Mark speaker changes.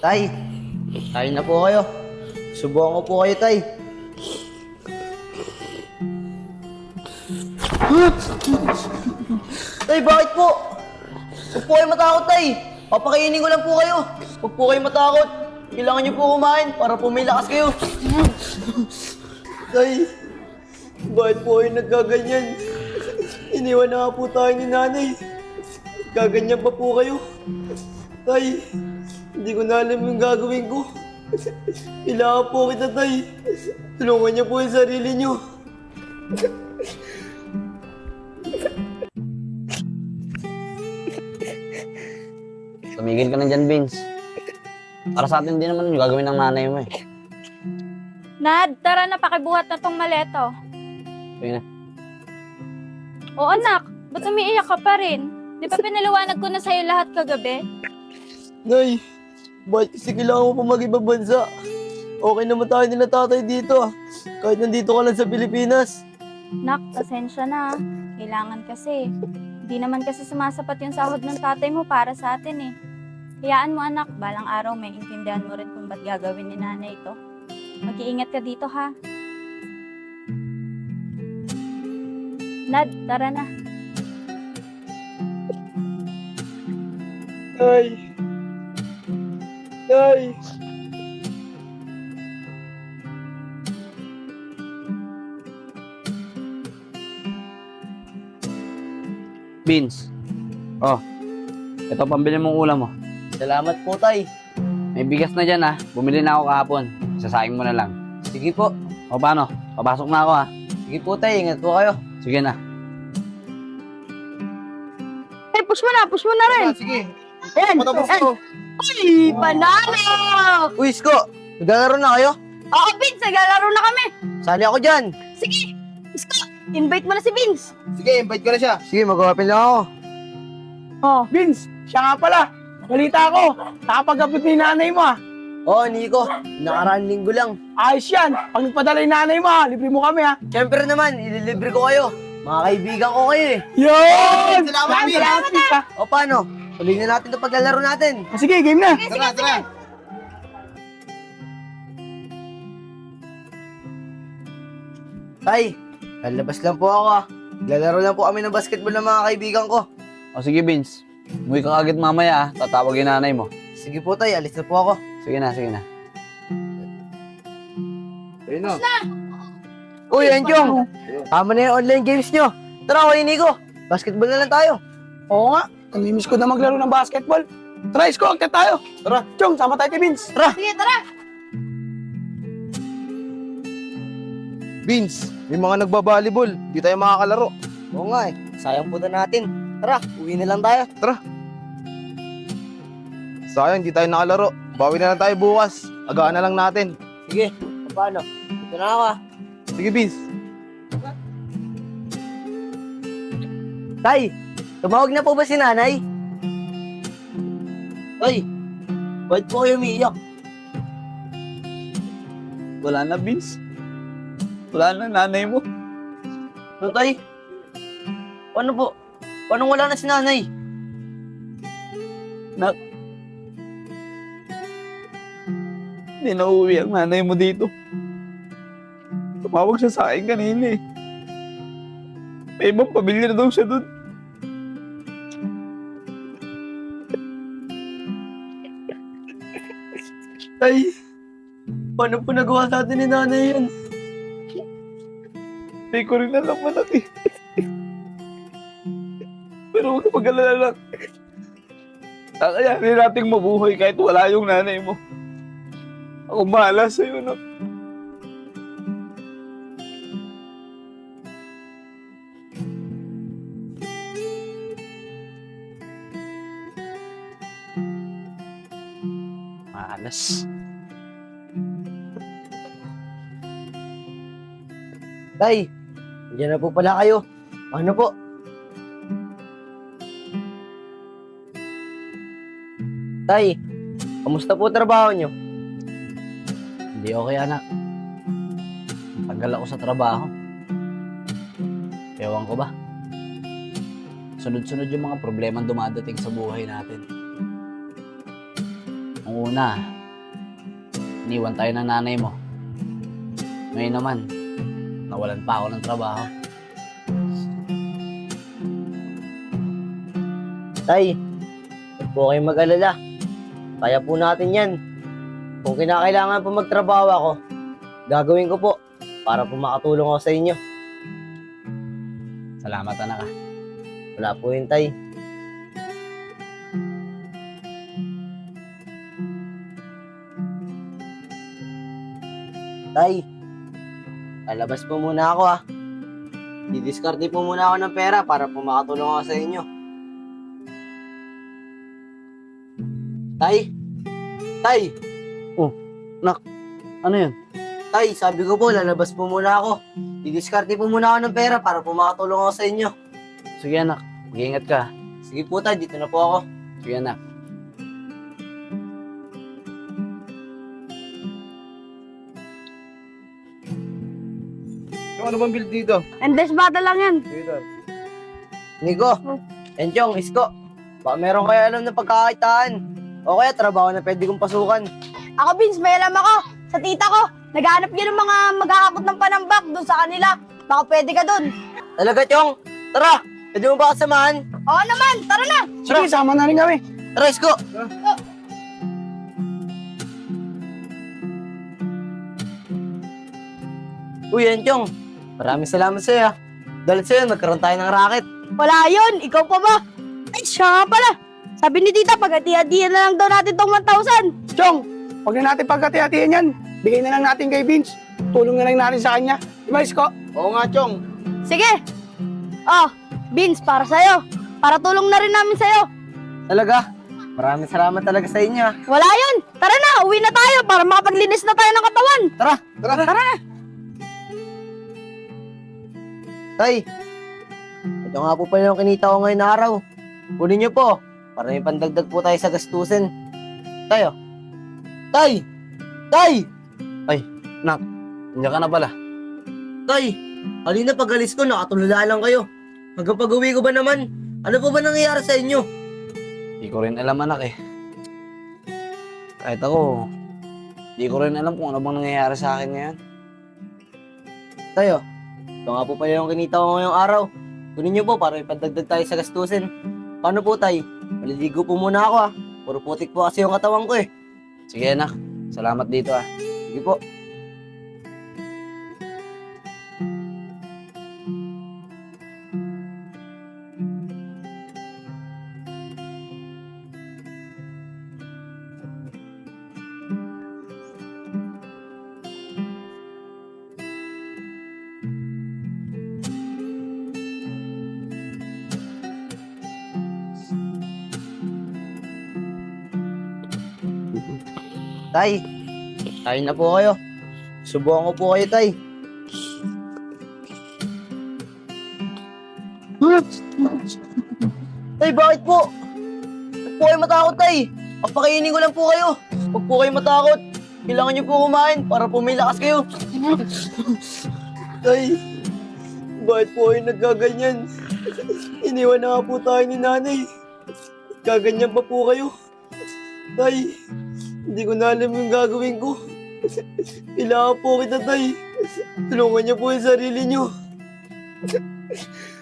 Speaker 1: Tay, kain na po kayo. Subukan ko po kayo, Tay. Tay, bakit po? Huwag po kayo matakot, Tay. Papakainin ko lang po kayo. Huwag po kayo matakot. Kailangan niyo po kumain para po may lakas kayo. Tay, bakit po kayo nagkaganyan? Iniwan na nga po tayo ni nanay. Gaganyan pa po kayo. Tay, hindi ko na alam yung gagawin ko. Kailangan po kita, Tay. Tulungan niyo po yung sarili niyo.
Speaker 2: Tumigil ka na dyan, Vince. Para sa atin din naman yung gagawin ng nanay mo eh.
Speaker 3: Nad, tara na, pakibuhat na tong maleto.
Speaker 2: Sige na.
Speaker 3: Oo anak, ba't umiiyak ka pa rin? Di ba pinaliwanag ko na sa'yo lahat kagabi?
Speaker 1: Nay, bakit kasi kailangan mo pa mag-ibang bansa? Okay naman tayo nila tatay dito. Kahit nandito ka lang sa Pilipinas.
Speaker 3: Nak, pasensya na. Kailangan kasi. Di naman kasi sumasapat yung sahod ng tatay mo para sa atin eh. Hayaan mo anak, balang araw may intindihan mo rin kung ba't gagawin ni nanay ito. Mag-iingat ka dito ha. Nad, tara na.
Speaker 1: Nay! Nay!
Speaker 2: Vince. Oh, ito pambili mong ulam mo.
Speaker 1: Salamat po, Tay.
Speaker 2: May bigas na dyan ha. Bumili na ako kahapon. Sasaing mo na lang.
Speaker 1: Sige po.
Speaker 2: O paano? Papasok na ako ha.
Speaker 1: Sige po, Tay. Ingat po kayo.
Speaker 2: Sige na.
Speaker 3: Eh, push mo na rin.
Speaker 1: Sige.
Speaker 3: Ayan,
Speaker 1: Matapos ko.
Speaker 3: Uy, panalo!
Speaker 1: Uy, Isko. Naglalaro na kayo?
Speaker 3: Oo, Vince, naglalaro na kami.
Speaker 1: Sali ako dyan.
Speaker 3: Sige, Isko, invite mo na si Vince.
Speaker 1: Sige, invite ko na siya. Sige, mag-open lang ako.
Speaker 3: Oh,
Speaker 4: Vince, siya nga pala. Balita ko, nakapag-abot ni nanay mo ah.
Speaker 1: Oo, Nico. Nakaraan linggo lang.
Speaker 4: Ayos yan. Pag nagpadala yung nanay mo ah, libre mo kami ah.
Speaker 1: Siyempre naman, ililibre ko kayo. Mga kaibigan ko kayo eh.
Speaker 4: Yun!
Speaker 1: Salamat, Vince.
Speaker 4: Salamat, Vince ah.
Speaker 1: O paano? Tuloy na natin itong paglalaro natin.
Speaker 4: Ah, sige, game na.
Speaker 1: Tara. Tay, lalabas lang po ako ah. Lalaro lang po kami ng basketball ng mga kaibigan ko.
Speaker 2: O sige, Vince. Umuwi ka agad mamaya ha. Tatawagin nanay mo.
Speaker 1: Sige po, Tay. Alis na po ako.
Speaker 2: Sige na, sige na.
Speaker 1: Ayun na. Uy, Enchong. Tama na yung online games nyo. Tara, kayo Nico. Basketball na lang tayo.
Speaker 4: Oo nga, namimiss ko na maglaro ng basketball. Tara, Isko, agad tayo.
Speaker 1: Tara.
Speaker 4: Chong, sama tayo kay Vince.
Speaker 3: sige, tara.
Speaker 5: Vince, may mga nagbabalibol. Di tayo makakalaro.
Speaker 1: Oo nga eh. Sayang po na natin. Tara, uwi na lang tayo.
Speaker 5: Sayang, di tayo nakalaro. Bawi na lang tayo bukas. Agaan na lang natin.
Speaker 1: Sige, paano? Dito na ako ah.
Speaker 5: Sige, Vince.
Speaker 1: Tay, tumawag na po ba si nanay? Tay, bakit po kayo umiiyak?
Speaker 2: Wala na, Vince. Wala na nanay mo.
Speaker 1: Ano, Tay? Paano po? Paano wala na si nanay?
Speaker 2: Nak. Hindi na uuwi ang nanay mo dito. Tumawag siya sa akin kanina eh. May ibang pamilya na daw siya dun.
Speaker 1: Tay, paano po nagawa sa atin ni nanay yan?
Speaker 2: Hindi ko rin alam anak eh. Pero huwag ka mag-alala lang. Kakayanin nating mabuhay kahit wala yung nanay mo. Ako bahala sa'yo, anak. Malas.
Speaker 1: Tay, nandiyan na po pala kayo. Ano po? Tay, kamusta po trabaho nyo?
Speaker 2: Hindi okay, anak. Tagal ako sa trabaho. Ewan ko ba? Sunod-sunod yung mga problemang dumadating sa buhay natin. Ang una, iniwan tayo ng nanay mo. Ngayon naman, nawalan pa ako ng trabaho.
Speaker 1: Tay, huwag po kayong mag-alala. Kaya po natin yan. Kung kinakailangan po magtrabaho ako, gagawin ko po para po makatulong ako sa inyo.
Speaker 2: Salamat, anak.
Speaker 1: Wala po yun, Tay. Tay, lalabas po muna ako Didiskarte po muna ako ng pera para po makatulong ako sa inyo. Tay! Tay!
Speaker 2: Ano yun?
Speaker 1: Tay, sabi ko po, lalabas po muna ako. Didiskarte po muna ako ng pera para po makatulong ako sa inyo.
Speaker 2: Sige, anak. Mag-iingat ka.
Speaker 1: Sige po, Tay, dito na po ako.
Speaker 2: Sige, anak.
Speaker 5: Yung ano bang build dito?
Speaker 3: Endless battle lang yan.
Speaker 5: Dito.
Speaker 1: Nico, Enchong, Isko, baka meron kayo alam na pagkakakitaan. O kaya trabaho na pwede kong pasukan.
Speaker 6: Ako, Vince, may alam ako. Sa tita ko, naghahanap yun ng mga maghahakot ng panambak doon sa kanila. Baka pwede ka doon.
Speaker 1: Talaga, Chong? Tara, pwede mo ba kasamahan?
Speaker 6: Oo naman, tara na.
Speaker 4: Sige, sama na rin kami.
Speaker 1: Tara, Isko. Uy, Enchong, maraming salamat sa'yo. Dahil sa'yo, nagkaroon tayo ng racket.
Speaker 6: Wala yun, ikaw pa ba? Ay, siya nga pala. Sabi ni tita, pag-hati-hatihan na lang daw natin tong 1,000.
Speaker 4: Chong, huwag na natin pagkati-hatihan yan. Bigay na lang natin kay Vince. Tulong na lang natin sa kanya. Diba, Isko?
Speaker 5: Oo nga, Chong.
Speaker 6: Sige. Oh, Vince, para sa'yo. Para tulong na rin namin sa'yo.
Speaker 1: Talaga, maraming salamat talaga sa inyo.
Speaker 6: Wala yun. Tara na, uwi na tayo para makapaglinis na tayo ng katawan.
Speaker 1: Tara.
Speaker 6: Tara na.
Speaker 1: Tay, ito nga po pala yung kinita ko ngayon na araw. Kunin niyo po, para may pandagdag po tayo sa gastusin. Tayo. Tay! Tay!
Speaker 2: Nandiyan ka na pala.
Speaker 1: Tay! Halina pag alis ko, nakatulala lang kayo. Hanggang pag-uwi ko ba naman, ano po ba nangyayari sa inyo?
Speaker 2: Hindi ko rin alam, anak eh. Kahit ako, hindi ko rin alam kung ano bang nangyayari sa akin ngayon.
Speaker 1: Tayo, ito nga po pala yung kinita ko ngayong araw. Kunin niyo po para may pandagdag tayo sa gastusin. Paano po, Tay? Maliligo po muna ako Puro putik po kasi yung katawan ko eh.
Speaker 2: Sige, anak. Salamat dito
Speaker 1: Sige po. Tay, tayo na po kayo. Subukan ko po kayo, Tay. Tay, bakit po? Huwag po kayo matakot, Tay. Papakainin ko lang po kayo. Huwag po kayo matakot. Kailangan niyo po kumain para po may lakas kayo. Tay, bakit po kayo nagkaganyan? Iniwan na nga po tayo ni nanay. Gaganyan pa po kayo. Tay, hindi ko na alam yung gagawin ko. Kailangan po kita, Tay. Tulungan niyo po yung sarili niyo.